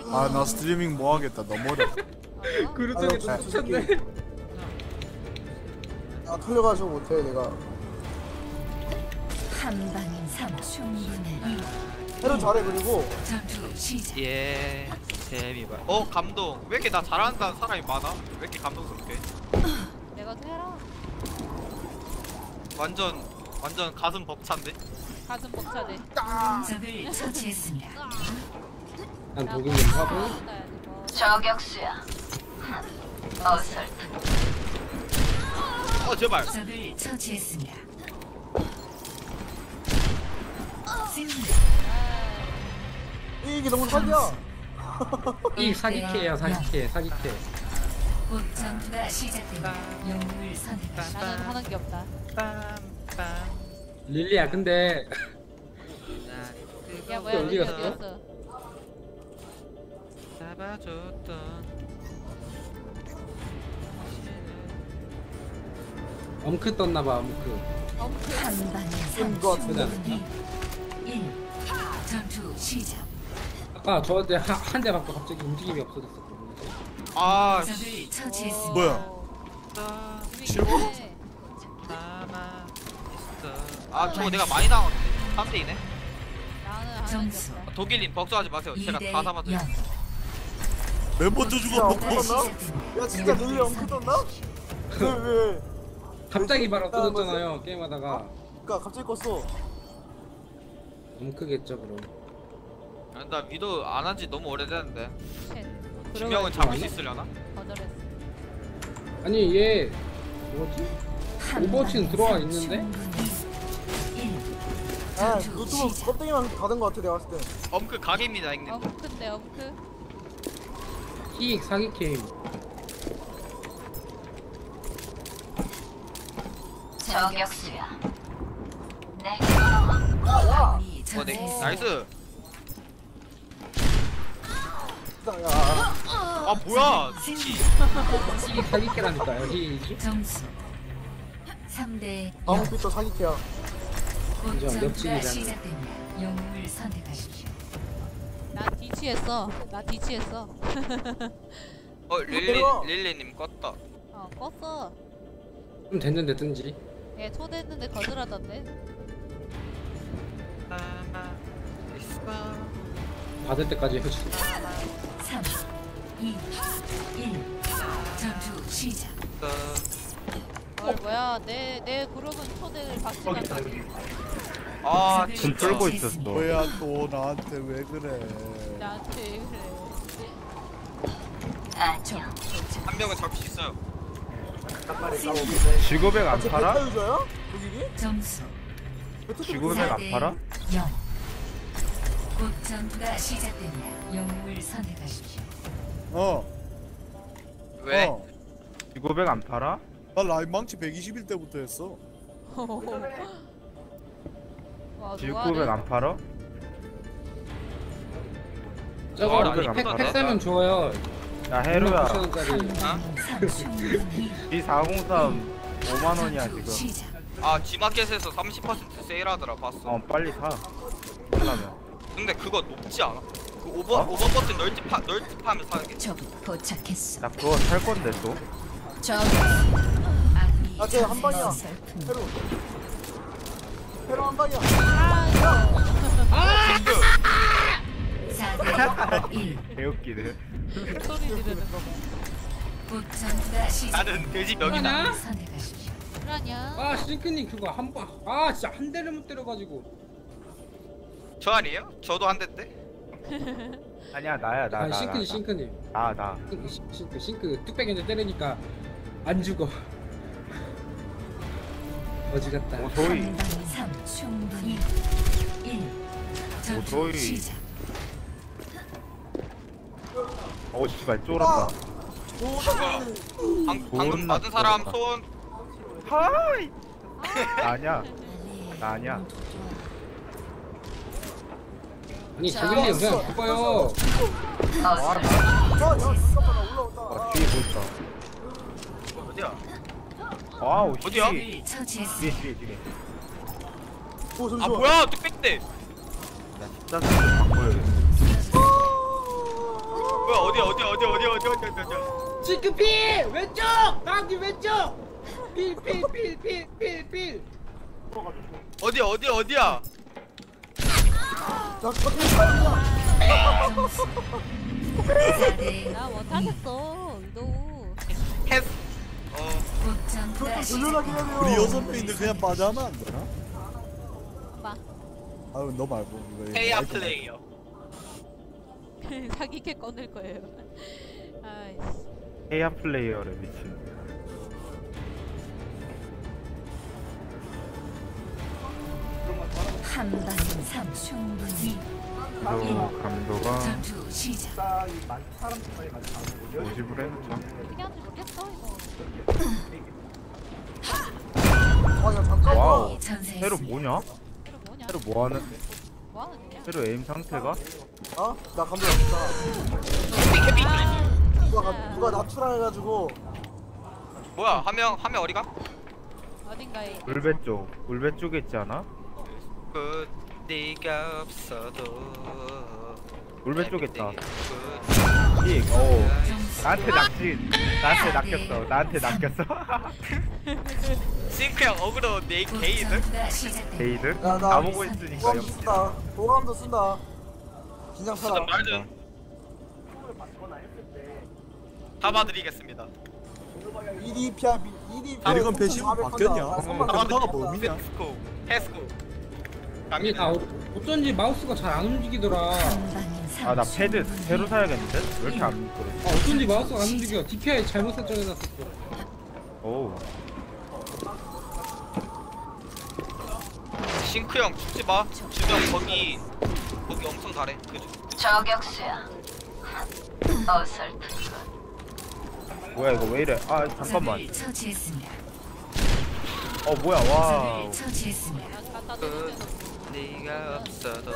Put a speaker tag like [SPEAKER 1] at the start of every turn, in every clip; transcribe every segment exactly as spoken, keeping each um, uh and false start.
[SPEAKER 1] 아 나 스트리밍 뭐 하겠다 너무 어려.
[SPEAKER 2] 그루터기
[SPEAKER 3] 아,
[SPEAKER 2] 쫓았네.
[SPEAKER 3] 아 털려가지고 못해 내가.
[SPEAKER 4] 한 방인 삼 충분해.
[SPEAKER 3] 해도 잘해 그리고.
[SPEAKER 4] 전투 시작.
[SPEAKER 5] 예 재미봐. 어 감동. 왜 이렇게 나 잘한다는 사람이 많아? 왜 이렇게 감동스럽게?
[SPEAKER 6] 내가 또 해라.
[SPEAKER 5] 완전 완전 가슴 벅찬데?
[SPEAKER 6] 가슴 벅차네.
[SPEAKER 4] 적을 처치했습니다.
[SPEAKER 2] 난 독일 좀 하고.
[SPEAKER 6] 뭐.
[SPEAKER 4] 저격수야. 어설.
[SPEAKER 5] 어 제발.
[SPEAKER 4] 적을 처치했습니다. 승리.
[SPEAKER 3] 이게 너무 사기야.
[SPEAKER 2] 이 사기캐야 사기캐 사기캐.
[SPEAKER 4] 곧 전투가 시작됩니다. 영웅을 선택하십시오.
[SPEAKER 6] 나는 하는 게 없다.
[SPEAKER 5] 빰빰.
[SPEAKER 2] 릴리야 근데
[SPEAKER 6] 야 뭐야
[SPEAKER 2] 어디
[SPEAKER 6] 어디
[SPEAKER 2] 갔어?
[SPEAKER 6] 갔어?
[SPEAKER 5] 잡아줬던
[SPEAKER 2] 엄크 떴나봐 엄크.
[SPEAKER 4] 한 방에
[SPEAKER 3] 뜬거 같은데.
[SPEAKER 4] 일. 전투 시작.
[SPEAKER 2] 아까 저한테 한 대 맞고 갑자기 움직임이 없어졌어.
[SPEAKER 5] 아
[SPEAKER 4] 적을 처치했습니다.
[SPEAKER 1] 뭐야?
[SPEAKER 6] 실버?
[SPEAKER 5] 남아 있어. 아 저거 내가 많이 당했는데. 삼 대이네.
[SPEAKER 6] 나는 하는 게
[SPEAKER 4] 점수.
[SPEAKER 6] 없다.
[SPEAKER 5] 독일님 걱정하지 마세요. 제가 다 잡아줘요.
[SPEAKER 1] 왜 먼저
[SPEAKER 3] 야
[SPEAKER 1] 죽어?
[SPEAKER 3] 엉크 떴나? 야 진짜 릴리 엉크 떴나? 왜 왜?
[SPEAKER 2] 갑자기 바로 없어졌잖아요 게임하다가.
[SPEAKER 3] 그니까 갑자기 껐어.
[SPEAKER 2] 엄크겠죠 그럼.
[SPEAKER 5] 아, 나 위도 안 한 지 너무 오래됐는데.
[SPEAKER 6] 쉣.
[SPEAKER 5] 분명은 잡을 수 있으려나?
[SPEAKER 6] 거절했어.
[SPEAKER 2] 아니 얘 뭐지? 오버워치는 들어와 있는데?
[SPEAKER 3] 아 노트북 껍데기만 닫은 거 같아 내가 봤을 때.
[SPEAKER 5] 엄크 각입니다 형님.
[SPEAKER 6] 엄크인데 엄크.
[SPEAKER 2] 이익 사기 게임.
[SPEAKER 4] 저격수야. 네.
[SPEAKER 5] 어, 네. 나이스.
[SPEAKER 3] 야
[SPEAKER 5] 아 뭐야?
[SPEAKER 2] 이익 사기 게라니까요. 이
[SPEAKER 4] 점수 삼 대
[SPEAKER 3] 아무 빛도 사기캐야.
[SPEAKER 4] 곧
[SPEAKER 2] 인정,
[SPEAKER 4] 전투가
[SPEAKER 2] 옆집이잖아.
[SPEAKER 4] 시작됩니다. 영웅을 선택하십시오.
[SPEAKER 6] 나 뒤치했어. 나 뒤치했어.
[SPEAKER 5] 어 릴리
[SPEAKER 3] 내려와.
[SPEAKER 5] 릴리님 껐다.
[SPEAKER 6] 어 껐어.
[SPEAKER 2] 좀 됐는데 뜬지.
[SPEAKER 6] 얘 초대했는데 거절하던데.
[SPEAKER 5] 남아 있어.
[SPEAKER 2] 받을 때까지 해주고.
[SPEAKER 4] 삼, 이, 일. 전투 시작.
[SPEAKER 6] 어 뭐야 내 내 그룹은 초대를 받지 못하지.
[SPEAKER 5] 아
[SPEAKER 4] 적을
[SPEAKER 5] 진짜.
[SPEAKER 7] 끌고
[SPEAKER 4] 처치했습니다.
[SPEAKER 1] 뭐야 또 나한테 왜 그래?
[SPEAKER 6] 나한테 왜 그래.
[SPEAKER 4] 안녕.
[SPEAKER 5] 한 명은 잡을 수 있어요.
[SPEAKER 7] 지구백 안
[SPEAKER 3] 쟤
[SPEAKER 7] 팔아?
[SPEAKER 3] 베타 유저야? 독일이?
[SPEAKER 4] 점수
[SPEAKER 7] 지구백 안 팔아?
[SPEAKER 4] 영. 곧 전투가 시작됩니다. 영웅을 선택하십시오.
[SPEAKER 1] 어.
[SPEAKER 5] 왜?
[SPEAKER 1] 어.
[SPEAKER 7] 지구백 안 팔아?
[SPEAKER 1] 나 라인 망치 백이십일 때부터 했어.
[SPEAKER 6] 와
[SPEAKER 7] 지구백
[SPEAKER 6] 좋아하네.
[SPEAKER 7] 안 팔아?
[SPEAKER 2] 저거
[SPEAKER 5] 어, 아니,
[SPEAKER 2] 팩,
[SPEAKER 5] 그거
[SPEAKER 2] 팩 사면 줘요.
[SPEAKER 7] 야 해루야
[SPEAKER 2] 구천 원짜리.
[SPEAKER 7] 이 사공삼 오만 원이야 지금.
[SPEAKER 4] 시작.
[SPEAKER 5] 아 G마켓에서 삼십 퍼센트 세일하더라 봤어.
[SPEAKER 7] 어 빨리 사. 하려면.
[SPEAKER 5] 근데 그거 높지 않아? 그 오버
[SPEAKER 7] 어?
[SPEAKER 5] 오버 버튼 널티파 널티파하면 사는 게.
[SPEAKER 4] 적이 도착했어.
[SPEAKER 7] 나 그거 살 건데 또.
[SPEAKER 4] 저기. 아군이
[SPEAKER 3] 아, 쟤한 방이야.
[SPEAKER 4] 슬픔.
[SPEAKER 3] 페루. 페루 한 방이야.
[SPEAKER 4] 사 대 일.
[SPEAKER 7] 개웃기네.
[SPEAKER 6] 소리 지르는 거 봐.
[SPEAKER 4] 곧 전투가 시작.
[SPEAKER 5] 나는 돼지 멱이다.
[SPEAKER 2] 뭐냐?
[SPEAKER 4] 선택하십시오.
[SPEAKER 6] 그러냐?
[SPEAKER 2] 아 싱크님 그거 한 번. 아 진짜 한 대를 못 때려가지고.
[SPEAKER 5] 저 아니에요? 저도 한 대인데.
[SPEAKER 7] 아니야 나야 나
[SPEAKER 2] 아
[SPEAKER 7] 나.
[SPEAKER 2] 싱크님 싱크님.
[SPEAKER 7] 나 나.
[SPEAKER 2] 싱크 싱크 싱크, 싱크 뚝배기한테 때리니까 안 죽어. 어지 같다.
[SPEAKER 7] 오소이.
[SPEAKER 4] 한 방에 삼 충분히 일. 전투
[SPEAKER 7] 오소이.
[SPEAKER 4] 시작.
[SPEAKER 7] 어 씨발 쫄았다.
[SPEAKER 5] 방, 방금 받은 사람 손.
[SPEAKER 7] 하이. 나 아니야. 나 아니야.
[SPEAKER 2] 아니 저길리 그냥 죽어요.
[SPEAKER 3] 어, 야, 잠깐만, 나 올라온다.
[SPEAKER 7] 아 뒤에 뭐 있다.
[SPEAKER 5] 이거 어디야?
[SPEAKER 7] 아우 씨.
[SPEAKER 5] 어디야?
[SPEAKER 7] 뒤에
[SPEAKER 4] 처치했습니다.
[SPEAKER 7] 뒤에 뒤에.
[SPEAKER 3] 오, 잠시만.
[SPEAKER 5] 아 뭐야 뚝배기대.
[SPEAKER 7] 나 진짜 좀 바꿔야겠어.
[SPEAKER 2] 시크필 왼쪽 방귀 왼쪽 필필필필필필
[SPEAKER 5] 어디야 어디야 어디야?
[SPEAKER 3] 나 저기 있어.
[SPEAKER 6] 나 못하겠어 위도.
[SPEAKER 5] 패스. 어.
[SPEAKER 3] 돌려나긴 하네요.
[SPEAKER 1] 우리 여섯 명인데 그냥 빠져하면 안 되나?
[SPEAKER 6] 봐.
[SPEAKER 1] 아유 너 말고 이거
[SPEAKER 5] 페이아
[SPEAKER 1] 마이크
[SPEAKER 5] 플레이어.
[SPEAKER 6] 사기캐 꺼낼 거예요. 아이씨.
[SPEAKER 7] 헤야 플레이어래 미친.
[SPEAKER 4] 한방 삼 충분히
[SPEAKER 7] 저 감도가
[SPEAKER 4] 전투 시작.
[SPEAKER 7] 오십을 해놓자.
[SPEAKER 6] 어떻게 하는지 모르겠어 이거.
[SPEAKER 3] 아야 잠깐.
[SPEAKER 7] 와우.
[SPEAKER 4] 전세.
[SPEAKER 7] 새로 뭐냐?
[SPEAKER 6] 이거 뭐냐?
[SPEAKER 7] 새로 뭐하는?
[SPEAKER 6] 뭐 하는 거냐?
[SPEAKER 7] 새로 에임 상태가?
[SPEAKER 3] 어? 나 감독 없다.
[SPEAKER 6] 아,
[SPEAKER 3] 누가 가-
[SPEAKER 6] 진짜.
[SPEAKER 3] 누가 납출해가지고.
[SPEAKER 5] 뭐야 한 명 한 명 어디가?
[SPEAKER 6] 어딘가에
[SPEAKER 7] 울베 쪽. 울베 쪽에 있지 않아?
[SPEAKER 5] 그 네가 없어도.
[SPEAKER 7] 울베 쪽에 있다.
[SPEAKER 5] 그
[SPEAKER 7] 픽. 오. 나한테 낚시. 나한테 낚였어. 나한테 낚였어.
[SPEAKER 5] 싱크 형 어그로 네 게이드?
[SPEAKER 4] 전투가 시작됩니다.
[SPEAKER 7] 게이드?
[SPEAKER 3] 야, 나
[SPEAKER 7] 다 보고 있으니까
[SPEAKER 3] 보감도
[SPEAKER 7] 역시.
[SPEAKER 3] 쓴다. 보감도 쓴다. 긴장
[SPEAKER 5] 무슨
[SPEAKER 3] 타라.
[SPEAKER 5] 말든 다 봐드리겠습니다.
[SPEAKER 3] 이디피아 이디피아.
[SPEAKER 1] 아, 이건 배신 바뀌었냐? 감도가 뭡니까?
[SPEAKER 5] 페스코 페스코.
[SPEAKER 2] 아니 나
[SPEAKER 5] 갑니다.
[SPEAKER 2] 어- 어쩐지 마우스가 잘 안 움직이더라.
[SPEAKER 4] 한방인 삼
[SPEAKER 7] 아 나 패드
[SPEAKER 4] 충분히.
[SPEAKER 7] 새로 사야겠는데? 왜 이렇게 안 미끄러?
[SPEAKER 2] 아 어쩐지 마우스가 안 움직여. 디피아이 잘못 설정해놨었어.
[SPEAKER 7] 오.
[SPEAKER 5] 싱크 형 죽지 마. 주변 거기 거기 엄청 잘해. 그죠?
[SPEAKER 4] 저격수야. 어설픈
[SPEAKER 7] 뭐야 이거 왜 이래? 아 잠깐만.
[SPEAKER 4] 적을 처치했습니다.
[SPEAKER 7] 어 뭐야 와우.
[SPEAKER 4] 적을 처치했습니다.
[SPEAKER 6] 나 갖다
[SPEAKER 5] 그
[SPEAKER 6] 대주면
[SPEAKER 5] 네가 없어도.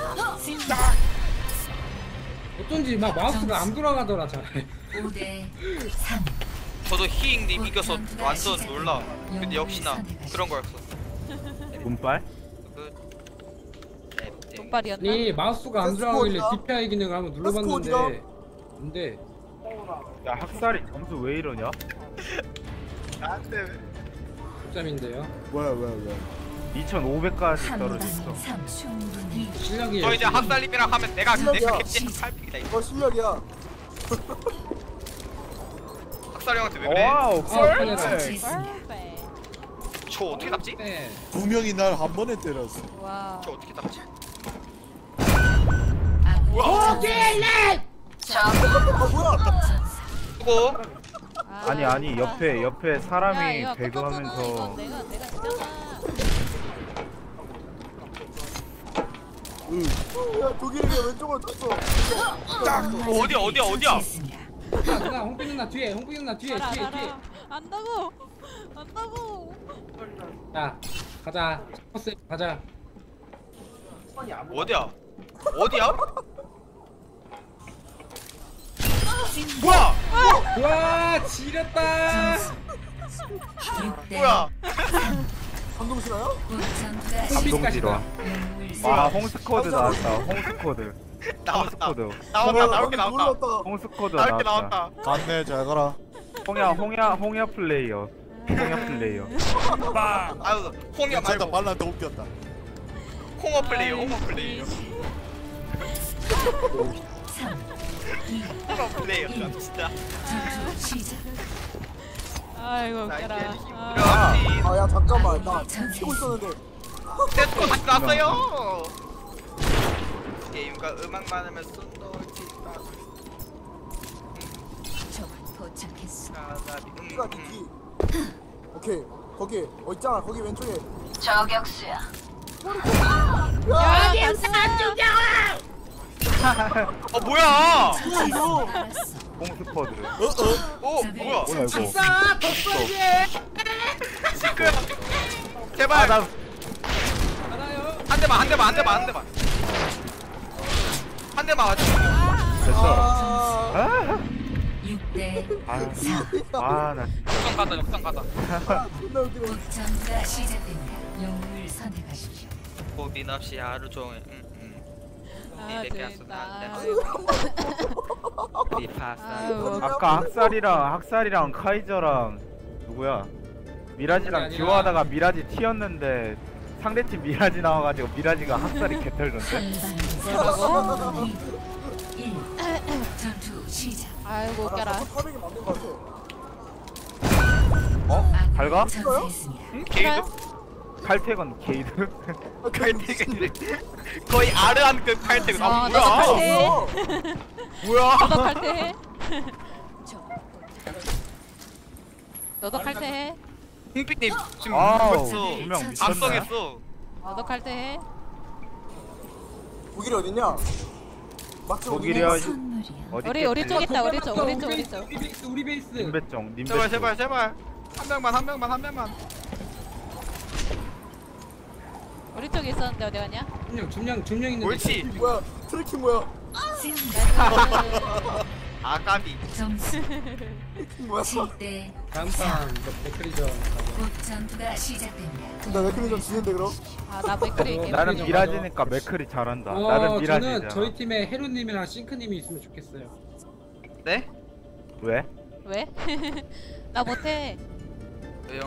[SPEAKER 2] 어쩐지 막 마우스가 안 돌아가더라 잘.
[SPEAKER 4] 오 대 삼.
[SPEAKER 5] 저도 히잉님 이겨서 완전 놀라. 근데 역시나 그런 거였어.
[SPEAKER 7] 문빨?
[SPEAKER 5] 그
[SPEAKER 6] 돈발이었나?
[SPEAKER 2] 아니 마우스가 안
[SPEAKER 3] 테스코
[SPEAKER 2] 돌아가길래
[SPEAKER 3] 어디가?
[SPEAKER 2] 디피아이 기능을 한번
[SPEAKER 3] 테스코
[SPEAKER 2] 눌러봤는데
[SPEAKER 3] 어디가?
[SPEAKER 2] 근데
[SPEAKER 7] 야 학살이 점수 왜 이러냐?
[SPEAKER 5] 나한테
[SPEAKER 2] 점인데요.
[SPEAKER 1] 뭐야 뭐야 뭐야
[SPEAKER 7] 이천오백까지
[SPEAKER 4] 한방인
[SPEAKER 7] 떨어졌어.
[SPEAKER 4] 삼 충분히.
[SPEAKER 2] 실력이
[SPEAKER 5] 저 이제 학살님이랑 하면 내가 내가
[SPEAKER 3] 실력이야.
[SPEAKER 5] 캡틴 팔픽이다 이거.
[SPEAKER 3] 이거 실력이야.
[SPEAKER 5] 학살 형한테 왜 그래?
[SPEAKER 7] 와우
[SPEAKER 2] 아, 카메라.
[SPEAKER 7] 펄펙.
[SPEAKER 6] 네.
[SPEAKER 5] 저 어떻게 잡지?
[SPEAKER 2] 네.
[SPEAKER 1] 두 명이 날 한 번에 때렸어.
[SPEAKER 6] 와.
[SPEAKER 5] 저 어떻게 잡지?
[SPEAKER 3] 아 뭐야?
[SPEAKER 5] 수고.
[SPEAKER 6] 아,
[SPEAKER 7] 아니 아니 옆에 옆에
[SPEAKER 6] 야,
[SPEAKER 7] 사람이
[SPEAKER 6] 이거
[SPEAKER 7] 배그하면서
[SPEAKER 6] 이건 내가 내가 했잖아.
[SPEAKER 3] 야 독일이 왼쪽으로 탔어.
[SPEAKER 5] 어디야 어디야 어디야?
[SPEAKER 4] 처치했습니다.
[SPEAKER 2] 야, 누나 홍빈 누나 뒤에 홍빈 누나 뒤에
[SPEAKER 6] 알아
[SPEAKER 2] 뒤에 뒤에.
[SPEAKER 6] 알아. 안다고. 안다고.
[SPEAKER 2] 야 가자. 버스 가자.
[SPEAKER 5] 어디야? 어디야? 뭐야?
[SPEAKER 2] 와 지렸다.
[SPEAKER 4] 육 대
[SPEAKER 5] 뭐야?
[SPEAKER 3] 감동 싫어요?
[SPEAKER 4] 전투가
[SPEAKER 7] 감동 지러.
[SPEAKER 4] 시작.
[SPEAKER 7] 와 홍스코드 나왔다. 홍스코드.
[SPEAKER 5] 나왔다.
[SPEAKER 7] 홍스코드.
[SPEAKER 5] 나왔다. 나올게 나왔다.
[SPEAKER 3] 놀랐다.
[SPEAKER 7] 홍스코드
[SPEAKER 5] 나올게
[SPEAKER 7] 나왔다.
[SPEAKER 5] 나왔다.
[SPEAKER 1] 갔네 잘 가라.
[SPEAKER 7] 홍야 홍야 홍야 플레이어. 홍야 플레이어.
[SPEAKER 5] 아유 홍이야
[SPEAKER 1] 괜찮다
[SPEAKER 5] 말고
[SPEAKER 1] 발란테 웃겼다.
[SPEAKER 5] 홍어 플레이어 홍어 플레이어
[SPEAKER 4] 삼.
[SPEAKER 5] 홍어 플레이어 진짜.
[SPEAKER 4] 전투 시작.
[SPEAKER 6] 아이고
[SPEAKER 5] 나
[SPEAKER 6] 웃겨라.
[SPEAKER 5] 이제
[SPEAKER 6] 아.
[SPEAKER 5] 힘들어.
[SPEAKER 3] 아 야 잠깐만 나 치고 있었는데.
[SPEAKER 5] 세스코 다시 나왔어요. 게임과 음악 많으면 쏜돌티가
[SPEAKER 4] 적을 포착했어.
[SPEAKER 3] 키가 뒤. 오케이 거기 어 있잖아 거기 왼쪽에.
[SPEAKER 4] 저격수야.
[SPEAKER 3] 야
[SPEAKER 5] 어 뭐야?
[SPEAKER 3] 뭐야 이거?
[SPEAKER 4] 알았어.
[SPEAKER 7] 홍스코드.
[SPEAKER 5] 어 뭐야?
[SPEAKER 7] 뭐야 이거?
[SPEAKER 2] 아 덕분이지.
[SPEAKER 5] 시끄러. 제발
[SPEAKER 7] 아나
[SPEAKER 2] 가나요?
[SPEAKER 5] 한 대만 한 대만 한 대만 한 대만 한 대만 맞춰.
[SPEAKER 7] 됐어.
[SPEAKER 3] 아.
[SPEAKER 7] 아.
[SPEAKER 4] 육 대
[SPEAKER 7] 아,
[SPEAKER 4] 사.
[SPEAKER 7] 아, 나 진짜.
[SPEAKER 5] 역전 가자 역전 가자.
[SPEAKER 3] 존나 웃기네.
[SPEAKER 4] 전투가 시작됩니다. 영웅을 선택하십시오.
[SPEAKER 5] 고민 없이 하루 종일 음, 음.
[SPEAKER 6] 아
[SPEAKER 5] 네,
[SPEAKER 6] 재밌다.
[SPEAKER 5] 네,
[SPEAKER 6] 아이고. 아유,
[SPEAKER 7] 아까 학살이랑 학살이랑 카이저랑 누구야? 미라지랑 듀오하다가 미라지 튀었는데 상대팀 미라지 나와가지고 미라지가 학살이 개털던데?
[SPEAKER 6] 뭐라고?
[SPEAKER 4] 일. 전투 시작.
[SPEAKER 6] 아이고 웃겨라.
[SPEAKER 3] 파밍이 맞는 거 같아.
[SPEAKER 7] 어? 밝아?
[SPEAKER 4] 전사했습니다.
[SPEAKER 5] 응? 게이드?
[SPEAKER 7] 칼퇴건 게이드?
[SPEAKER 5] 칼퇴근 거의 아르한 그 칼퇴근.
[SPEAKER 6] 어,
[SPEAKER 5] 아
[SPEAKER 6] 너도
[SPEAKER 5] 뭐야?
[SPEAKER 6] 칼퇴해.
[SPEAKER 5] 뭐야?
[SPEAKER 6] 너도 칼퇴해. 너도 칼퇴해.
[SPEAKER 5] 홍피님 지금
[SPEAKER 7] 아우,
[SPEAKER 5] 벌써
[SPEAKER 7] 분명 미쳤네.
[SPEAKER 5] 각성했어.
[SPEAKER 6] 너도 칼퇴해.
[SPEAKER 3] 독일이 어딨냐? 맞지?
[SPEAKER 7] 독일이야.
[SPEAKER 4] 선물이야.
[SPEAKER 7] 어디
[SPEAKER 6] 우리 우리 쪽 있다. 우리 쪽 우리 쪽 우리
[SPEAKER 2] 베이스,
[SPEAKER 6] 쪽.
[SPEAKER 2] 우리 베이스 우리 베이스.
[SPEAKER 7] 님배정 님배정
[SPEAKER 5] 제발 제발 제발. 한 명만 한 명만 한 명만.
[SPEAKER 6] 우리 쪽에 있었는데 어디 갔냐?
[SPEAKER 2] 중령 중령 중령 있는데.
[SPEAKER 5] 옳지.
[SPEAKER 3] 뭐야? 트래킹 뭐야?
[SPEAKER 5] 아 까비.
[SPEAKER 4] 점수
[SPEAKER 3] 트래킹 뭐야?
[SPEAKER 4] 칠 대
[SPEAKER 2] 다음 판 맥크리전.
[SPEAKER 4] 곧 전투가 시작됩니다.
[SPEAKER 3] 나 맥크리 좀 지는데 그럼?
[SPEAKER 6] 아나 맥크리 게임.
[SPEAKER 7] 나는
[SPEAKER 2] 좀
[SPEAKER 7] 미라지니까 맥클이 잘한다.
[SPEAKER 2] 어,
[SPEAKER 7] 나는
[SPEAKER 2] 저는
[SPEAKER 7] 미라지잖아.
[SPEAKER 2] 저희 팀에 헤루님이랑 싱크님이 있으면 좋겠어요.
[SPEAKER 5] 네?
[SPEAKER 7] 왜?
[SPEAKER 6] 왜? 나 못해.
[SPEAKER 5] 왜요?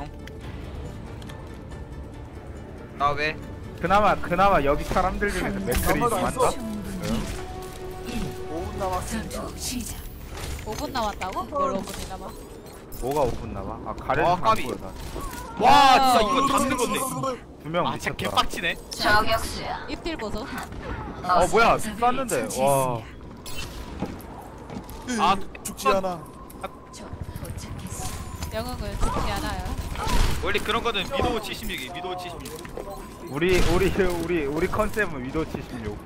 [SPEAKER 5] 나 왜?
[SPEAKER 7] 그나마 그나마 여기 사람들 중에서 맥클이
[SPEAKER 3] 아무도 안
[SPEAKER 7] 많다?
[SPEAKER 3] 써.
[SPEAKER 4] 일.
[SPEAKER 3] 오 분 남았습니다.
[SPEAKER 4] 전투 시작.
[SPEAKER 6] 오 분 남았다고? 뭘 오 분이 남아?
[SPEAKER 7] 뭐가 오 분 남아? 아 가래는
[SPEAKER 5] 아,
[SPEAKER 7] 안
[SPEAKER 5] 까비.
[SPEAKER 7] 보여 나.
[SPEAKER 5] 와 진짜 이거 잡는 건데.
[SPEAKER 7] 두명
[SPEAKER 5] 아 진짜
[SPEAKER 7] 미쳤다.
[SPEAKER 5] 개빡치네.
[SPEAKER 4] 저격수야.
[SPEAKER 6] 입딜 보소.
[SPEAKER 7] 어 뭐야 쐈는데 와.
[SPEAKER 5] 아
[SPEAKER 1] 죽지 않아.
[SPEAKER 4] 적 도착했어.
[SPEAKER 6] 영웅을 죽지 않아요.
[SPEAKER 5] 원래 그런 거는 미도우 칠십육이 미도우 칠십육.
[SPEAKER 7] 우리 우리 우리 우리 컨셉은 위도 칠십육.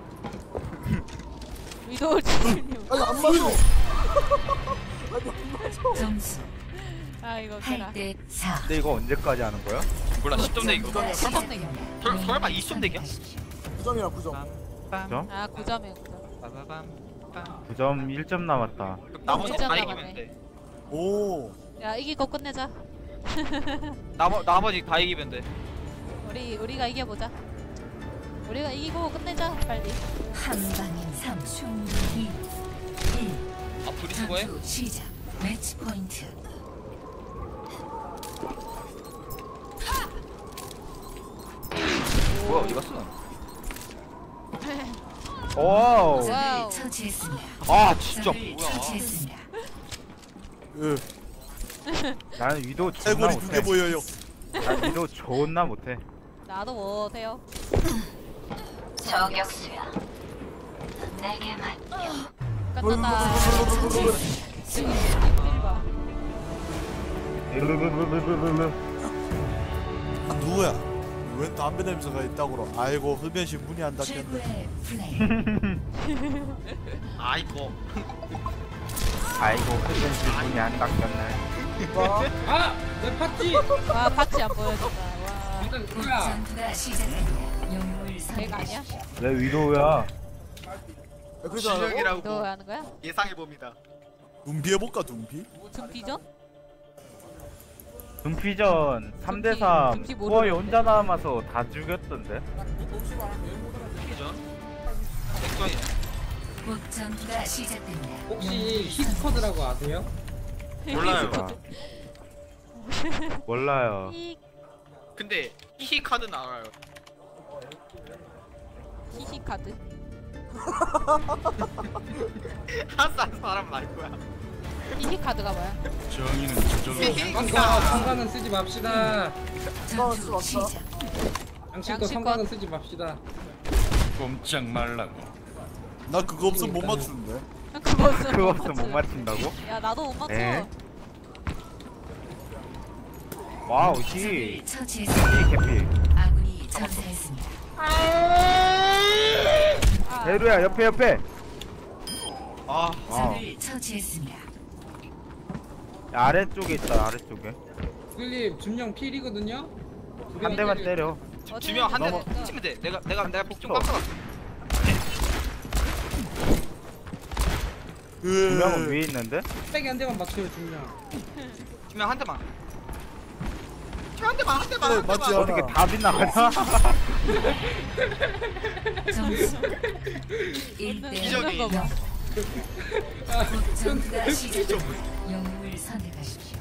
[SPEAKER 6] 위도우 칠십육.
[SPEAKER 3] 아니 안 맞아. 아니 안 맞아.
[SPEAKER 4] 점수
[SPEAKER 6] 아 이거
[SPEAKER 4] 팔
[SPEAKER 6] 웃겨라.
[SPEAKER 4] 대 사.
[SPEAKER 7] 근데 이거 언제까지 하는 거야?
[SPEAKER 5] 몰라 십 점 내기.
[SPEAKER 6] 네, 십 점 내기.
[SPEAKER 5] 설, 설마 이십 점 내기야?
[SPEAKER 3] 구 점이야 구 점.
[SPEAKER 7] 점?
[SPEAKER 6] 아 구 점이야 구 점.
[SPEAKER 5] 빠바밤.
[SPEAKER 7] 구 점 일 점 남았다.
[SPEAKER 5] 나머지 다
[SPEAKER 6] 남았네.
[SPEAKER 5] 이기면 돼.
[SPEAKER 1] 오.
[SPEAKER 6] 야 이기고 끝내자.
[SPEAKER 5] 나머 나머지 다 이기면 돼.
[SPEAKER 6] 우리 우리가 이겨보자. 우리가 이기고 끝내자 빨리.
[SPEAKER 4] 한 방인 삼. 충분히 일.
[SPEAKER 5] 아 둘이 수고해.
[SPEAKER 4] 전투 시작. 매치 포인트.
[SPEAKER 5] 뭐야 어디 갔어?
[SPEAKER 7] 오.
[SPEAKER 6] 와우.
[SPEAKER 4] 적을 처치했습니다.
[SPEAKER 5] 아 진짜
[SPEAKER 4] 적을
[SPEAKER 5] 뭐야?
[SPEAKER 4] 처치했습니다.
[SPEAKER 1] 예.
[SPEAKER 7] 나는 위도 존나
[SPEAKER 1] 해골이 두 개
[SPEAKER 7] 못해.
[SPEAKER 1] 보여요.
[SPEAKER 7] 난 위도 존나 못해.
[SPEAKER 6] 나도 못해요.
[SPEAKER 4] 저격수야. 내게만.
[SPEAKER 6] 끝났다. 지금 입딜 봐.
[SPEAKER 1] 아, 누구야? 웬 담배 냄새가 있다고? 아이고 흡연실 문이 안 닫혔네.
[SPEAKER 4] 최고의 플레이.
[SPEAKER 5] 아이고.
[SPEAKER 7] 아이고 흡연실 문이 안 닫혔네.
[SPEAKER 2] 아! 내 파티!
[SPEAKER 6] 와 파츠 안 보여준다. 와
[SPEAKER 2] 일단
[SPEAKER 4] 곧
[SPEAKER 2] 뭐야?
[SPEAKER 4] 전투가 시작됩니다. 영웅을
[SPEAKER 6] 걔가 아니야?
[SPEAKER 4] 선택하십시오.
[SPEAKER 7] 내 위도야.
[SPEAKER 3] 맥크리 좀 하라고?
[SPEAKER 5] 실력이라고
[SPEAKER 6] 너 하는 거야?
[SPEAKER 5] 예상해 봅니다.
[SPEAKER 1] 눈비 해볼까 눈비?
[SPEAKER 6] 등비전?
[SPEAKER 7] 눈피전 삼 대 삼
[SPEAKER 6] 눈피 모르는데?
[SPEAKER 7] 후어이 혼자 남아서 다 죽였던데.
[SPEAKER 5] 이전. 액션이.
[SPEAKER 4] 곧 전투가 시작됩니다.
[SPEAKER 2] 혹시 히스커드라고 아세요?
[SPEAKER 5] 몰라요.
[SPEAKER 7] 몰라요.
[SPEAKER 6] 히
[SPEAKER 5] 근데 히 카드는 알아요.
[SPEAKER 6] 히히 카드.
[SPEAKER 5] 한산 사람 알 거야.
[SPEAKER 6] 히히 카드가 뭐야?
[SPEAKER 5] 히히
[SPEAKER 2] 성과
[SPEAKER 5] 카드.
[SPEAKER 2] 성과는 쓰지 맙시다.
[SPEAKER 3] 맞다.
[SPEAKER 4] 전투 시작.
[SPEAKER 2] 양심껏
[SPEAKER 6] 양심껏.
[SPEAKER 2] 성과는 쓰지 맙시다.
[SPEAKER 8] 꼼짝 말라고.
[SPEAKER 1] 나 그거 없으면 못 맞추는데.
[SPEAKER 6] 그거 없으면
[SPEAKER 7] 그거
[SPEAKER 6] 못
[SPEAKER 7] 없으면 못
[SPEAKER 6] 맞춰.
[SPEAKER 7] 맞춘다고?
[SPEAKER 6] 야 나도 못 맞춰.
[SPEAKER 7] 에? 와우 히.
[SPEAKER 4] 적을 처치했습니다.
[SPEAKER 7] 히 개피.
[SPEAKER 4] 아군이 전사했습니다.
[SPEAKER 6] 아,
[SPEAKER 7] 대루야 옆에 옆에.
[SPEAKER 5] 아
[SPEAKER 7] 와.
[SPEAKER 4] 적을 처치했습니다.
[SPEAKER 7] 아래쪽에 있다 아래쪽에.
[SPEAKER 2] 클립 준영 필이거든요. 두
[SPEAKER 7] 한 대만 때려.
[SPEAKER 6] 어디
[SPEAKER 5] 지명 한 대
[SPEAKER 6] 있는지
[SPEAKER 5] 치면 돼. 내가 내가 내가 픽좀
[SPEAKER 7] 없어.
[SPEAKER 5] 깜짝았어.
[SPEAKER 7] 두
[SPEAKER 1] 예.
[SPEAKER 7] 명은 위에 있는데?
[SPEAKER 2] 빼기 한 대만 맞춰요 준영.
[SPEAKER 5] 지명 한 대만. 지명 한 대만 한 대만
[SPEAKER 1] 그래,
[SPEAKER 5] 한
[SPEAKER 1] 맞지
[SPEAKER 5] 대만.
[SPEAKER 1] 않아.
[SPEAKER 7] 어떻게 다 빗나가냐?
[SPEAKER 4] 점수 일 대
[SPEAKER 5] 기적이.
[SPEAKER 6] 거 봐.
[SPEAKER 4] 전투가 시작됩니다. 영웅을 선택하십시오.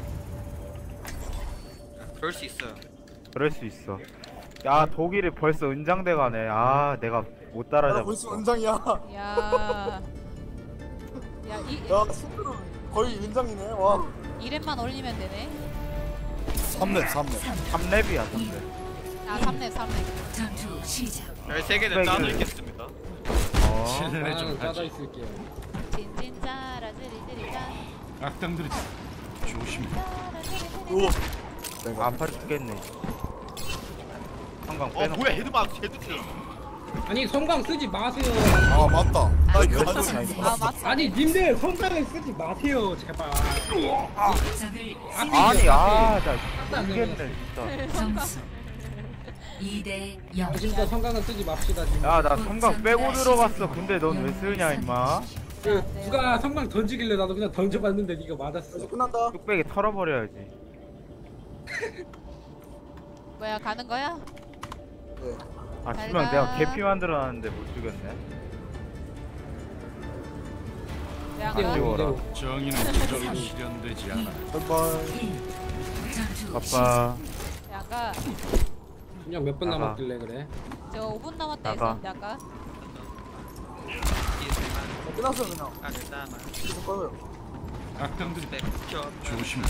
[SPEAKER 5] 그럴 수 있어요.
[SPEAKER 7] 그럴 수 있어. 야 독일이 벌써 은장대 가네. 아 내가 못
[SPEAKER 3] 나
[SPEAKER 7] 따라잡았어.
[SPEAKER 3] 벌써 은장이야.
[SPEAKER 6] 야. 야, 이
[SPEAKER 3] 야 스크루 거의 은장이네. 와.
[SPEAKER 6] 이렘만 올리면 되네.
[SPEAKER 1] 삼 렙 삼 렙.
[SPEAKER 7] 삼 렙이야 삼 렙.
[SPEAKER 6] 아, 삼 렙, 삼 렙.
[SPEAKER 4] 전투 시작.
[SPEAKER 5] 열세 개는 짜져 있겠습니다.
[SPEAKER 7] 어.
[SPEAKER 8] 실례
[SPEAKER 2] 나는
[SPEAKER 8] 좀
[SPEAKER 2] 짜져
[SPEAKER 8] 하지.
[SPEAKER 2] 있을게요.
[SPEAKER 6] 찐찐짜라 찌리찌리짜.
[SPEAKER 8] 악당들이 조심해.
[SPEAKER 1] 오.
[SPEAKER 7] 내가 아파 죽겠네. 한강
[SPEAKER 5] 어
[SPEAKER 7] 빼놓고.
[SPEAKER 5] 뭐야 헤드만 헤드 틀렸어.
[SPEAKER 2] 아니 성광 쓰지 마세요.
[SPEAKER 1] 아 맞다. 나 이거
[SPEAKER 4] 아,
[SPEAKER 1] 가지고
[SPEAKER 4] 선생.
[SPEAKER 6] 아, 맞
[SPEAKER 2] 아니 님들 성광을 쓰지 마세요 제발.
[SPEAKER 4] 적을
[SPEAKER 7] 아니 아나
[SPEAKER 2] 안
[SPEAKER 7] 죽겠네 진짜.
[SPEAKER 4] 점수 이 대 영.
[SPEAKER 2] 진짜 성광은 쓰지 맙시다 지금.
[SPEAKER 7] 야 나 성강 빼고 들어갔어. 근데 넌 왜 쓰냐 임마.
[SPEAKER 2] 그 누가 성광 던지길래 나도 그냥 던져봤는데 네가 맞았어.
[SPEAKER 3] 이제 끝난다.
[SPEAKER 7] 뚝배기 털어버려야지.
[SPEAKER 6] 뭐야, 가는 거야?
[SPEAKER 3] 네.
[SPEAKER 7] 아
[SPEAKER 6] 잘
[SPEAKER 7] 주면
[SPEAKER 6] 가.
[SPEAKER 7] 내가 개피 만들어놨는데 못 죽였네.
[SPEAKER 6] 왜안
[SPEAKER 7] 안
[SPEAKER 6] 가?
[SPEAKER 7] 죽어라.
[SPEAKER 8] 정의는 도저히 실현되지 않아.
[SPEAKER 1] 바이바이.
[SPEAKER 4] 전투
[SPEAKER 7] 바빠.
[SPEAKER 6] 왜안 가?
[SPEAKER 2] 그냥 몇 분
[SPEAKER 7] 나가.
[SPEAKER 2] 남았길래 그래.
[SPEAKER 6] 저 오 분 남았다
[SPEAKER 7] 나가.
[SPEAKER 6] 했었는데 아까.
[SPEAKER 3] 어, 끝났어요 그냥.
[SPEAKER 5] 아 괜찮아.
[SPEAKER 3] 계속 꺼요.
[SPEAKER 8] 악당들이
[SPEAKER 5] 네, 켜.
[SPEAKER 8] 조심해.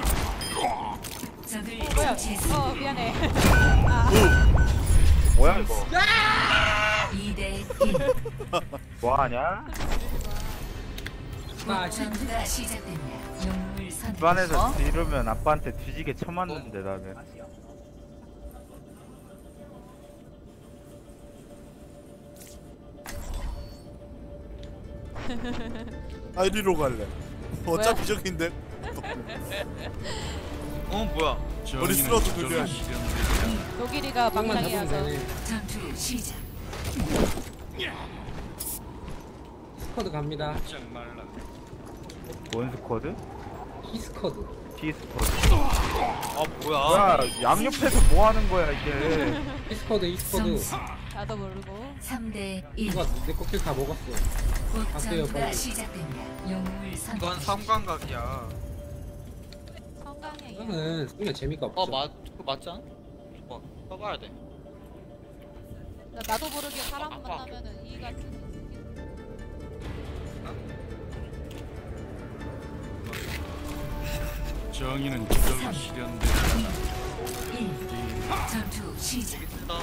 [SPEAKER 4] 적을
[SPEAKER 6] 뭐야?
[SPEAKER 4] 처치했습니다.
[SPEAKER 6] 어, 미안해.
[SPEAKER 7] 뭐야 이거?
[SPEAKER 4] 이 대 일.
[SPEAKER 7] 뭐하냐?
[SPEAKER 2] 나
[SPEAKER 4] 전투가 시작됩니다. 영웅을 선택하십시오.
[SPEAKER 7] 집안에서 뒤르면 아빠한테 뒤지게 쳐맞는데 나는.
[SPEAKER 1] 아 이리로 갈래. 어차피 저긴데.
[SPEAKER 5] 어 뭐야?
[SPEAKER 8] 정의는
[SPEAKER 1] 쓰러져
[SPEAKER 8] 도저히
[SPEAKER 1] 돌려야
[SPEAKER 8] 실현되지 않아.
[SPEAKER 6] 독일이가
[SPEAKER 2] 성광만 잡으면
[SPEAKER 6] 방랑이어서.
[SPEAKER 2] 되네.
[SPEAKER 4] 전투 시작.
[SPEAKER 2] 스쿼드 갑니다.
[SPEAKER 8] 짝 말라.
[SPEAKER 7] 뭔 스쿼드?
[SPEAKER 2] 히스쿼드.
[SPEAKER 7] T 스쿼드.
[SPEAKER 5] 아 뭐야?
[SPEAKER 7] 뭐야 양옆에서 뭐 하는 거야 이게?
[SPEAKER 2] 히스쿼드 히스쿼드.
[SPEAKER 4] 점수
[SPEAKER 6] 나도 모르고.
[SPEAKER 4] 삼 대 일.
[SPEAKER 2] 누가 내 코끼리 다 먹었어.
[SPEAKER 4] 곧
[SPEAKER 2] 갈게요,
[SPEAKER 4] 전투가
[SPEAKER 2] 빨리.
[SPEAKER 4] 시작됩니다. 영웅을
[SPEAKER 5] 이건
[SPEAKER 4] 선택하십시오.
[SPEAKER 5] 삼광각이야.
[SPEAKER 6] 성광이야.
[SPEAKER 2] 이거는 쓰면 재미가 없어.
[SPEAKER 5] 어 맞, 그거 맞지 않아? 어, 써봐야 돼.
[SPEAKER 6] 나, 나도 모르게 사람
[SPEAKER 5] 아빠.
[SPEAKER 6] 만나면은 이가 쓰-
[SPEAKER 8] 정의는 도저히 실현되지 않아.
[SPEAKER 4] 일. 전투 시작.
[SPEAKER 5] 쓰다.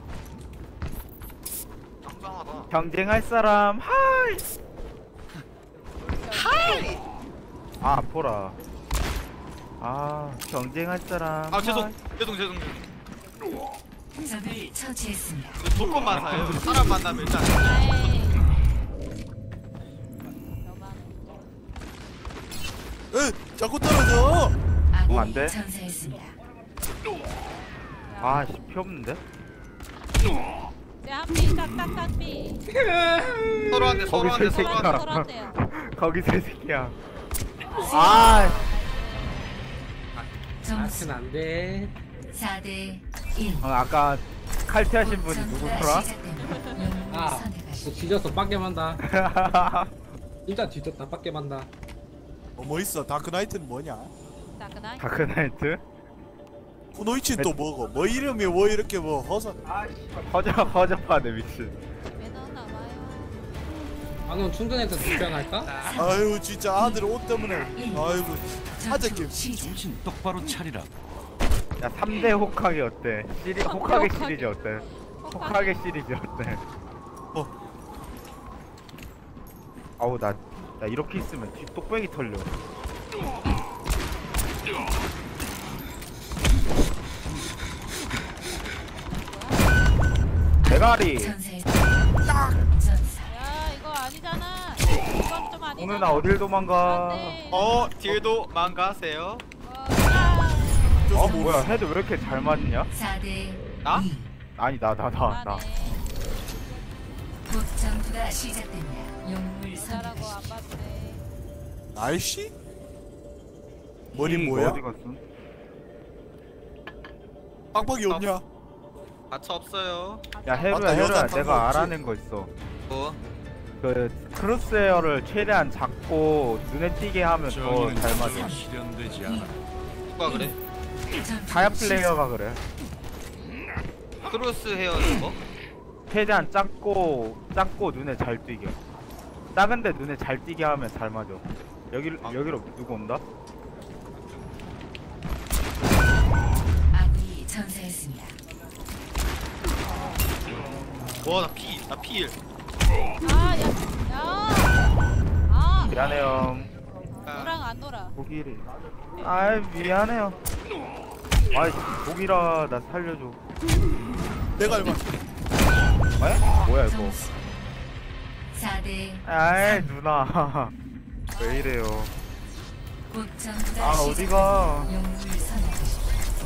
[SPEAKER 5] 짱짱하다.
[SPEAKER 7] 경쟁할 사람 하이. 하이. 아 보라. 아 경쟁할 사람.
[SPEAKER 5] 아 죄송,
[SPEAKER 7] 하이.
[SPEAKER 5] 죄송, 죄송, 죄송.
[SPEAKER 4] 적을 처치했습니다.
[SPEAKER 5] 이거 조건만 사요. 사람 만나면 일단
[SPEAKER 6] 아이. 너만.
[SPEAKER 1] 에 자꾸 떨어져.
[SPEAKER 4] 아군이
[SPEAKER 7] 안 돼?
[SPEAKER 4] 전사했습니다.
[SPEAKER 7] 아씨 피 없는데?
[SPEAKER 6] 제 한비 딱딱딱 비.
[SPEAKER 5] 서로 한대, 서로
[SPEAKER 7] 거기서
[SPEAKER 5] 한대,
[SPEAKER 7] 이
[SPEAKER 5] 서로
[SPEAKER 7] 새끼야.
[SPEAKER 5] 한대.
[SPEAKER 6] 서로 한대요.
[SPEAKER 7] 거기서 이 새끼야. 아
[SPEAKER 4] 점수
[SPEAKER 2] 아트는 안 돼.
[SPEAKER 4] 사 대 일.
[SPEAKER 7] 어, 아까 칼퇴하신 분이
[SPEAKER 4] 전투가
[SPEAKER 7] 누구더라?
[SPEAKER 4] 시작됩니다. 영웅을
[SPEAKER 2] 아, 너
[SPEAKER 4] 선택하십시오.
[SPEAKER 2] 뒤졌어 빡게 만다. 진짜 뒤졌다 빡게 만다.
[SPEAKER 1] 어, 뭐 있어? 다크나이트는 뭐냐?
[SPEAKER 6] 따끈하이.
[SPEAKER 7] 다크나이트?
[SPEAKER 1] 쿠노이치 또 뭐고? 뭐 이름이 뭐 이렇게 뭐 허서?
[SPEAKER 7] 허접 허접하네 미친.
[SPEAKER 6] 왜 넣나 봐요.
[SPEAKER 2] 아, 넌 충전해서 뒷변할까?
[SPEAKER 1] 아유 진짜 아들 옷 때문에. 아이고 하재낌.
[SPEAKER 4] 전투 시작.
[SPEAKER 8] 정신 똑바로 차리라.
[SPEAKER 7] 야 삼 대 호카게 어때? 시리 호카게
[SPEAKER 6] 호카게.
[SPEAKER 7] 시리즈 어때? 호카게 시리즈 어때?
[SPEAKER 1] 어.
[SPEAKER 7] 아우 나, 나 이렇게 있으면 뒤 똑배기 털려. 대가리.
[SPEAKER 4] 전사의 전사.
[SPEAKER 6] 야, 이거 아니잖아. 이건 좀 아니잖아.
[SPEAKER 7] 오늘 나 어딜 도망가?
[SPEAKER 6] 안 돼.
[SPEAKER 5] 어, 뒤에도 망가세요.
[SPEAKER 6] 어, 야.
[SPEAKER 7] 어 뭐야 헤드 왜 이렇게 잘 맞냐?
[SPEAKER 4] 사 대
[SPEAKER 5] 나?
[SPEAKER 4] 이.
[SPEAKER 7] 아니 나 나 나 나.
[SPEAKER 6] 그만해.
[SPEAKER 4] 곧 전투가 시작됩니다. 영웅을
[SPEAKER 6] 잘하고 안
[SPEAKER 4] 선택하십시오.
[SPEAKER 6] 봤네.
[SPEAKER 1] 날씨? 머리
[SPEAKER 7] 음,
[SPEAKER 1] 뭐야?
[SPEAKER 7] 어디 갔어?
[SPEAKER 1] 빡빡이 없냐?
[SPEAKER 5] 가차 없어요.
[SPEAKER 7] 야 헤루야
[SPEAKER 1] 맞다, 여자
[SPEAKER 7] 헤루야
[SPEAKER 1] 탄거
[SPEAKER 7] 내가
[SPEAKER 1] 없지?
[SPEAKER 7] 알아낸 거 있어.
[SPEAKER 5] 뭐?
[SPEAKER 7] 그 크로스웨어를 최대한 작고 눈에 띄게 하면 더
[SPEAKER 8] 정의는
[SPEAKER 7] 잘 맞아.
[SPEAKER 8] 저절로 실현되지 않아.
[SPEAKER 5] 누가 그래?
[SPEAKER 7] 타야 플레이어가 그래.
[SPEAKER 5] 크로스 헤어는 거?
[SPEAKER 7] 최대한 작고 작고 눈에 잘 띄게. 작은데 눈에 잘 띄게 하면 잘 맞아. 여기
[SPEAKER 5] 아.
[SPEAKER 7] 여기로 누구 온다?
[SPEAKER 4] 아군이 전사했습니다.
[SPEAKER 5] 와나 피, 나 피 일.
[SPEAKER 6] 아, 야, 야. 아,
[SPEAKER 7] 미안해요.
[SPEAKER 6] 너랑 안 놀아.
[SPEAKER 7] 독일이. 아이 미안해요. 아이 독일아 나 살려줘.
[SPEAKER 1] 내가 얼마
[SPEAKER 7] 에? 뭐야 이거?
[SPEAKER 4] 점수 사 대
[SPEAKER 7] 아이 누나 왜 이래요?
[SPEAKER 4] 곧전투가
[SPEAKER 7] 아 어디가?
[SPEAKER 4] 영웅을 선택하십시오.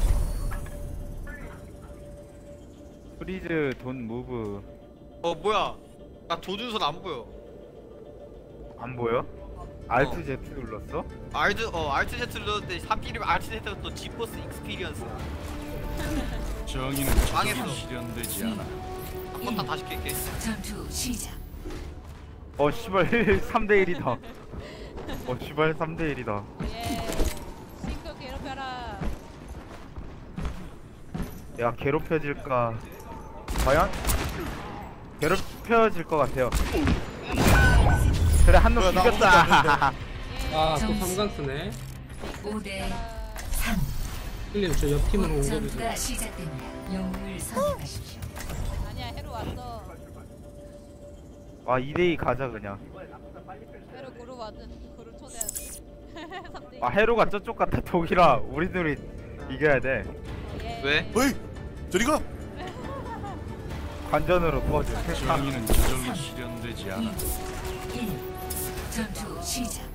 [SPEAKER 7] 프리즈 돈 무브
[SPEAKER 5] 어 뭐야? 나 조준선 안 보여.
[SPEAKER 7] 안 보여? 알트 Z 눌렀어?
[SPEAKER 5] 알트 어 알트 Z 눌렀는데 삼길이면 알트 Z가 또 지포스 익스피리언스.
[SPEAKER 8] 정의는
[SPEAKER 5] 망했어.
[SPEAKER 8] 저절로 실현되지 않아.
[SPEAKER 5] 한번 다 다시 깰게.
[SPEAKER 4] 전투 시작.
[SPEAKER 7] 어 씨발 삼 대 일이다. 어 씨발 삼 대 일이다.
[SPEAKER 6] 예. 싱크 괴롭혀라.
[SPEAKER 7] 야 괴롭혀질까? 과연? 괴롭혀질 것 같아요. 그래 한 놈
[SPEAKER 1] 뭐야, 나 아무것도
[SPEAKER 7] 죽였다.
[SPEAKER 6] 예.
[SPEAKER 2] 아, 또 삼강 쓰네.
[SPEAKER 4] 오 대 삼.
[SPEAKER 2] 힐님 저 옆 팀으로 옮겨주세요.
[SPEAKER 4] 전투가 시작됩니다. 영웅을 선택하십시오.
[SPEAKER 6] 아니야, 해로 왔어.
[SPEAKER 7] 아 이 대 이 가자 그냥.
[SPEAKER 6] 해로 그룹 왔든 그룹 초대하지. 삼 대 이.
[SPEAKER 7] 아 해로가 저쪽 같아 독일아. 우리 둘이 이겨야 돼.
[SPEAKER 6] 예.
[SPEAKER 5] 왜?
[SPEAKER 1] 어이 저리가
[SPEAKER 7] 관전으로 도와줘.
[SPEAKER 8] 정의는 저절로 실현되지 않아.
[SPEAKER 4] 일. 전투 시작.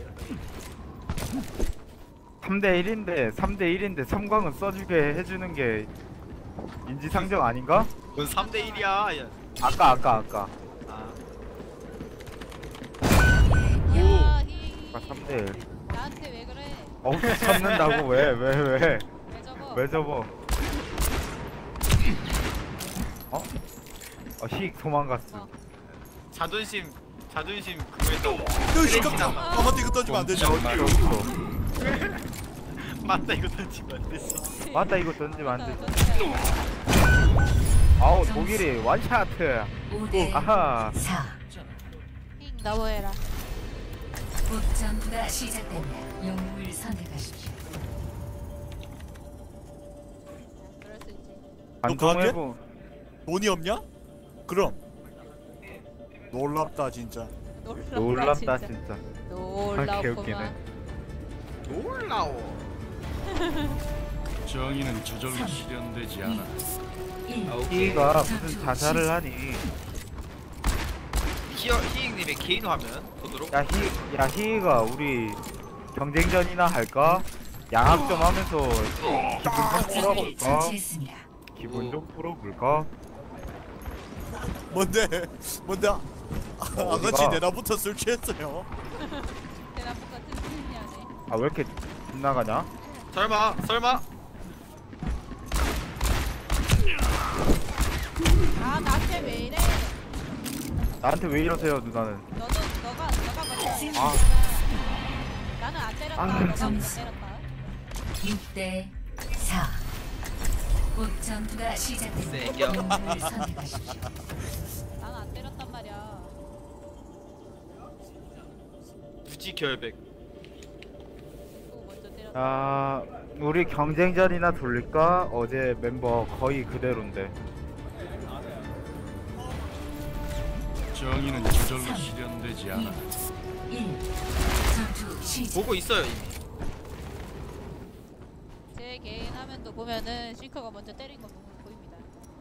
[SPEAKER 7] 삼 대 일인데 삼 대 일인데 삼광은 써주게 해주는 게 인지상정 아닌가?
[SPEAKER 5] 뭔 삼 대 일이야. 야.
[SPEAKER 7] 아까 아까 아까
[SPEAKER 5] 아.
[SPEAKER 6] 야, 히.
[SPEAKER 7] 아까 삼 대 일.
[SPEAKER 6] 나한테 왜 그래?
[SPEAKER 7] 어우 잡는다고 왜 왜 왜 왜
[SPEAKER 6] 왜 저거?
[SPEAKER 7] 왜 접어? 어? 어 희익 도망갔어.
[SPEAKER 6] 어.
[SPEAKER 5] 자존심 자존심 그거에서
[SPEAKER 1] 여기 시끄럽다. 아 맞다 이거 던지면 안 되지.
[SPEAKER 7] 어디 없어.
[SPEAKER 5] 맞다 이거 던지면 안 되지.
[SPEAKER 7] 맞다 이거 던지면 안 돼.
[SPEAKER 6] 돼.
[SPEAKER 7] 아우 독일이 원샷.
[SPEAKER 4] 오 대
[SPEAKER 7] 아하.
[SPEAKER 4] 사.
[SPEAKER 6] 힝, 너무해라.
[SPEAKER 4] 곧전투가 시작됩니다. 영웅을 선택하십시오.
[SPEAKER 6] 그럴 수 있지.
[SPEAKER 7] 방송해보.
[SPEAKER 1] 돈이 없냐? 그럼 놀랍다 진짜.
[SPEAKER 6] 놀랍다,
[SPEAKER 7] 놀랍다
[SPEAKER 6] 진짜.
[SPEAKER 7] 진짜.
[SPEAKER 6] 놀랍구만.
[SPEAKER 7] 개웃기네.
[SPEAKER 5] 놀라워.
[SPEAKER 8] 정의는 저절로 실현되지 않아.
[SPEAKER 4] 일.
[SPEAKER 7] 희가 무슨 자살을 하니?
[SPEAKER 5] 히어 히잉님의 개인 화면 보도록.
[SPEAKER 7] 야 희, 야 희가 우리 경쟁전이나 할까? 양학 좀 하면서 기분 좀
[SPEAKER 4] 적을
[SPEAKER 7] 풀어볼까?
[SPEAKER 4] 처치했습니다.
[SPEAKER 7] 기분 좀 풀어볼까?
[SPEAKER 1] 뭔데 뭔데 아,
[SPEAKER 7] 어디가?
[SPEAKER 1] 아가씨 내나부터 술 취했어요.
[SPEAKER 6] 대나무 같은 소리냐네.
[SPEAKER 7] 아 왜 이렇게 빗나가냐?
[SPEAKER 5] 설마 설마.
[SPEAKER 6] 아, 나한테 왜 이래?
[SPEAKER 7] 나한테 왜 이러세요 누나는?
[SPEAKER 6] 너는 너가 너가 먼저
[SPEAKER 7] 아.
[SPEAKER 6] 나는 안 때렸다.
[SPEAKER 7] 아,
[SPEAKER 6] 너가 먼저
[SPEAKER 4] 점수.
[SPEAKER 6] 때렸다.
[SPEAKER 4] 육 대 사. 곧전투가 시작됩니다.
[SPEAKER 5] 세겨.
[SPEAKER 4] 영웅을 선택하십시오.
[SPEAKER 6] 나는 안 때렸단 말이야.
[SPEAKER 5] 무지 결백.
[SPEAKER 6] 또 먼저 때렸다.
[SPEAKER 7] 아 우리 경쟁전이나 돌릴까? 어제 멤버 거의 그대로인데.
[SPEAKER 8] 정의는 저절로 실현되지 않아.
[SPEAKER 4] 일. 전투 시작.
[SPEAKER 5] 보고 있어요 이미.
[SPEAKER 6] 제 개인 화면도 보면은 싱커가 먼저 때린 거 보면 보입니다.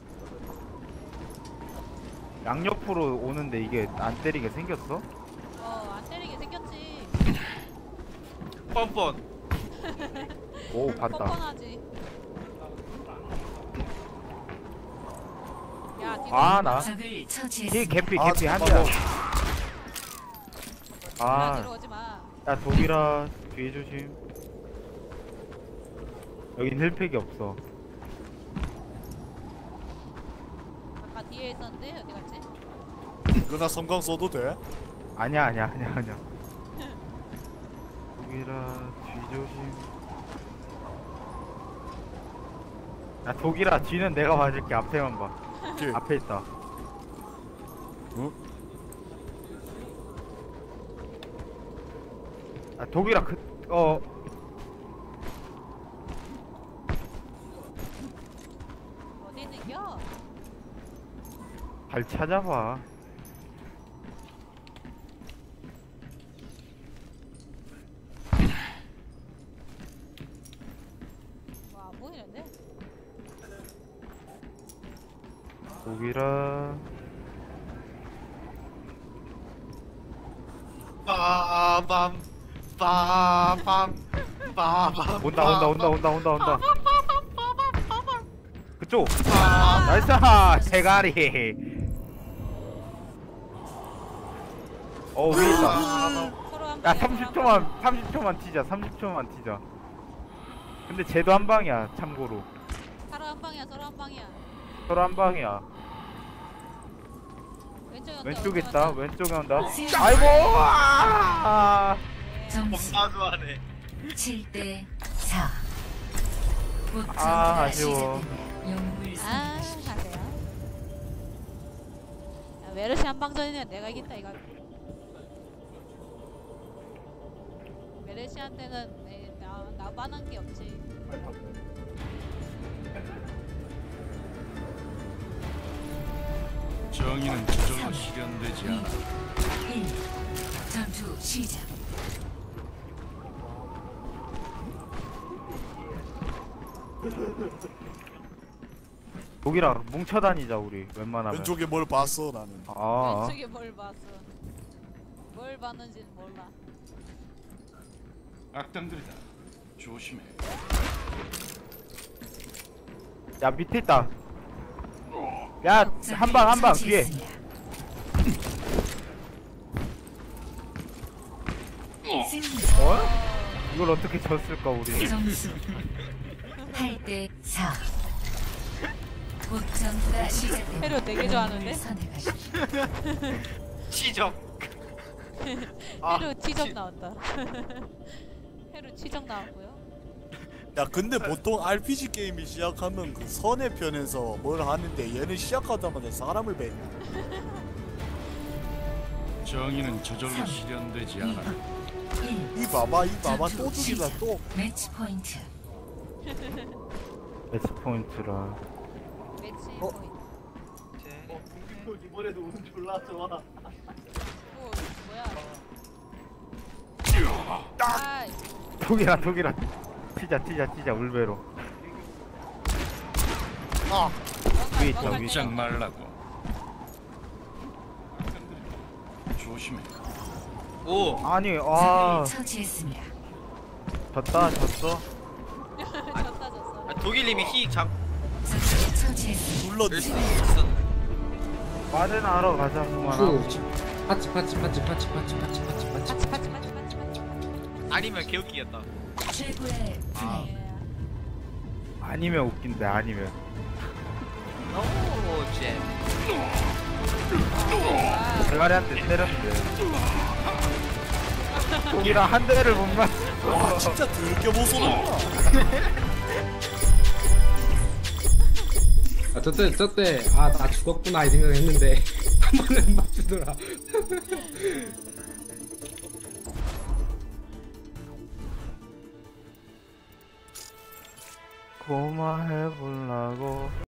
[SPEAKER 7] 양옆으로 오는데 이게 안 때리게 생겼어?
[SPEAKER 6] 어, 안 때리게 생겼지.
[SPEAKER 5] 뻔뻔.
[SPEAKER 7] 오 봤다.
[SPEAKER 6] 뻔뻔하지. 야, 뒤로
[SPEAKER 7] 아 나.
[SPEAKER 4] 적을
[SPEAKER 7] 이
[SPEAKER 4] 처치했습니다.
[SPEAKER 7] 개피
[SPEAKER 1] 아,
[SPEAKER 7] 개피 한
[SPEAKER 1] 잠깐만.
[SPEAKER 7] 대.
[SPEAKER 6] 아,
[SPEAKER 7] 아,
[SPEAKER 6] 들어오지 마.
[SPEAKER 7] 야 독일아 뒤에 조심. 여긴 힐팩이 없어.
[SPEAKER 6] 아까 뒤에 있었는데 어디 갔지?
[SPEAKER 1] 이거나 섬광 써도 돼?
[SPEAKER 7] 아니야 아니야 아니야 아니야. 독일아 뒤조심. 야 독일아 뒤는 내가 봐줄게. 앞에만 봐.
[SPEAKER 1] 오케이.
[SPEAKER 7] 앞에 있다.
[SPEAKER 1] 어?
[SPEAKER 7] 아 독일아 그 어.
[SPEAKER 6] 어디 있는겨?
[SPEAKER 7] 잘 찾아봐.
[SPEAKER 6] 뭐 안 보이는데?
[SPEAKER 7] 독일아.
[SPEAKER 5] 빠밤 빠밤 빠밤
[SPEAKER 7] 온다 온다 온다 온다 온다 온다. 그쪽.
[SPEAKER 5] 아,
[SPEAKER 7] 나이스 대가리. 어 위에 있다.
[SPEAKER 6] 서로 한
[SPEAKER 7] 야
[SPEAKER 6] 방에,
[SPEAKER 7] 삼십
[SPEAKER 6] 서로 한
[SPEAKER 7] 초만 삼십 초만 튀자. 삼십 초만 튀자. 근데 쟤도 한 방이야 참고로.
[SPEAKER 6] 방. 서로 한 방이야. 서로 한 방이야.
[SPEAKER 7] 서로 한 방이야.
[SPEAKER 6] 왼쪽에 온다.
[SPEAKER 7] 왼쪽에
[SPEAKER 6] 왼쪽에
[SPEAKER 7] 있다.
[SPEAKER 6] 온다.
[SPEAKER 7] 왼쪽에 온다. 아이고. 아.
[SPEAKER 4] 점수
[SPEAKER 5] 겁나 좋아하네.
[SPEAKER 4] 칠 대 사.
[SPEAKER 7] 아, 아쉬워.
[SPEAKER 4] 영웅을
[SPEAKER 6] 아,
[SPEAKER 4] 선택하십시오.
[SPEAKER 6] 가세요. 야, 메르시 한방전이면 내가 이긴다 이거. 메르시한테는 내, 나 나반한 게 없지.
[SPEAKER 8] 정의는 저절로 실현되지 않아.
[SPEAKER 4] 일. 전투 시작.
[SPEAKER 7] 독일아 뭉쳐 다니자 우리 웬만하면.
[SPEAKER 1] 왼쪽에 뭘 봤어 나는.
[SPEAKER 7] 아.
[SPEAKER 6] 왼쪽에 뭘 봤어? 뭘 봤는지는 몰라.
[SPEAKER 8] 악당들이다. 조심해.
[SPEAKER 7] 야 밑에 있다. 야 한 방 한 방 뒤에.
[SPEAKER 4] 승리.
[SPEAKER 7] 어? 이걸 어떻게 졌을까 우리.
[SPEAKER 4] 점수 팔 대 사. 곧 전투가 시작됩니다.
[SPEAKER 6] 페루 되게 좋아하는데?
[SPEAKER 4] 선택하십시오.
[SPEAKER 5] 치적. 아,
[SPEAKER 6] 페루 치적
[SPEAKER 5] 치-
[SPEAKER 6] 나온다. 페루 치적 나왔고요.
[SPEAKER 1] 야 근데 보통 알피지 게임이 시작하면 그 선해편에서 뭘 하는데 얘는 시작하자마자 사람을 뱉냐.
[SPEAKER 8] 정의는 저절로 실현되지 않아.
[SPEAKER 4] 일.
[SPEAKER 1] 이 봐봐 이 봐봐 또 죽이다 또.
[SPEAKER 4] 매치 포인트.
[SPEAKER 7] 매치 포인트라.
[SPEAKER 6] 매치
[SPEAKER 1] 어?
[SPEAKER 6] 포인트.
[SPEAKER 1] 이번에도 운졸라 좋아.
[SPEAKER 6] 오, 뭐야? 아,
[SPEAKER 7] 독일아 독일아. 튀자 튀자 튀자 울베로.
[SPEAKER 1] 아
[SPEAKER 7] 위에 있다 위에 있다.
[SPEAKER 8] 꼼짝 말라고. 조심해.
[SPEAKER 5] 오,
[SPEAKER 7] 아니 아
[SPEAKER 4] 적을 처치했습니다.
[SPEAKER 7] 졌다 졌어.
[SPEAKER 6] 졌다 졌어.
[SPEAKER 5] 아, 독일님이 히 잡.
[SPEAKER 4] 적을 처치했습니다.
[SPEAKER 1] 불렀지.
[SPEAKER 7] 빠른 하러 가자 그만아.
[SPEAKER 2] 후 파치 파치 파치 파치 파치 파치 파치 파치
[SPEAKER 6] 파치 파치 파치 파치 파치.
[SPEAKER 5] 아니면 개웃기겠다.
[SPEAKER 4] 최고의 플레이.
[SPEAKER 6] 예.
[SPEAKER 7] 아니면 웃긴데 아니면.
[SPEAKER 5] 오, 잼.
[SPEAKER 7] 대가리한테 때렸는데. 독일아 한 대를 못 맞.
[SPEAKER 1] 와 진짜 더럽게 못쏘는구나.
[SPEAKER 2] 아 저때 저때 아 나 죽었구나 이 생각했는데 한 번에 맞추더라.
[SPEAKER 7] 고마해보려고